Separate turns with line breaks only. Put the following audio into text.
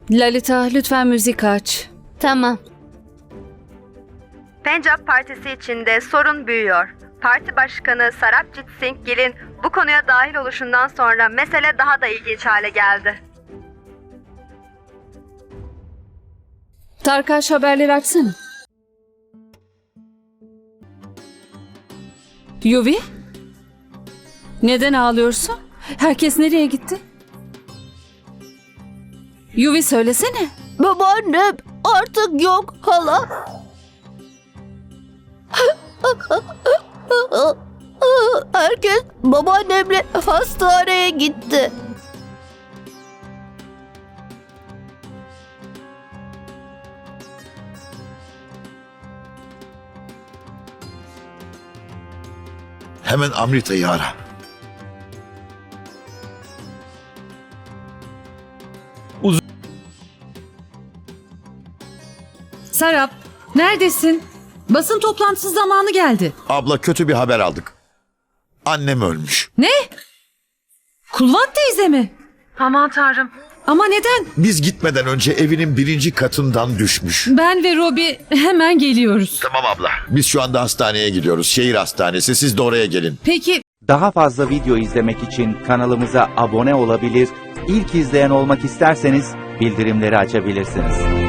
Lalita, lütfen müzik aç.
Tamam.
Pencap Partisi içinde sorun büyüyor. Parti Başkanı Sarabjit Singh Gill'in bu konuya dahil oluşundan sonra mesele daha da ilginç hale geldi.
Tarkaş, haberleri açsana. Yuvi? Neden ağlıyorsun? Herkes nereye gitti? Yuvi, söylesene.
Babaannem artık yok hala. Herkes babaannemle hastaneye gitti.
Hemen Amrita'yı ara.
Sarap, neredesin? Basın toplantısı zamanı geldi.
Abla, kötü bir haber aldık. Annem ölmüş.
Ne? Kulvat teyze mi?
Aman tanrım.
Ama neden?
Biz gitmeden önce evinin 1. katından düşmüş.
Ben ve Robi hemen geliyoruz.
Tamam abla. Biz şu anda hastaneye gidiyoruz. Şehir hastanesi. Siz de oraya gelin.
Peki
Daha fazla video izlemek için kanalımıza abone olabilir, ilk izleyen olmak isterseniz bildirimleri açabilirsiniz.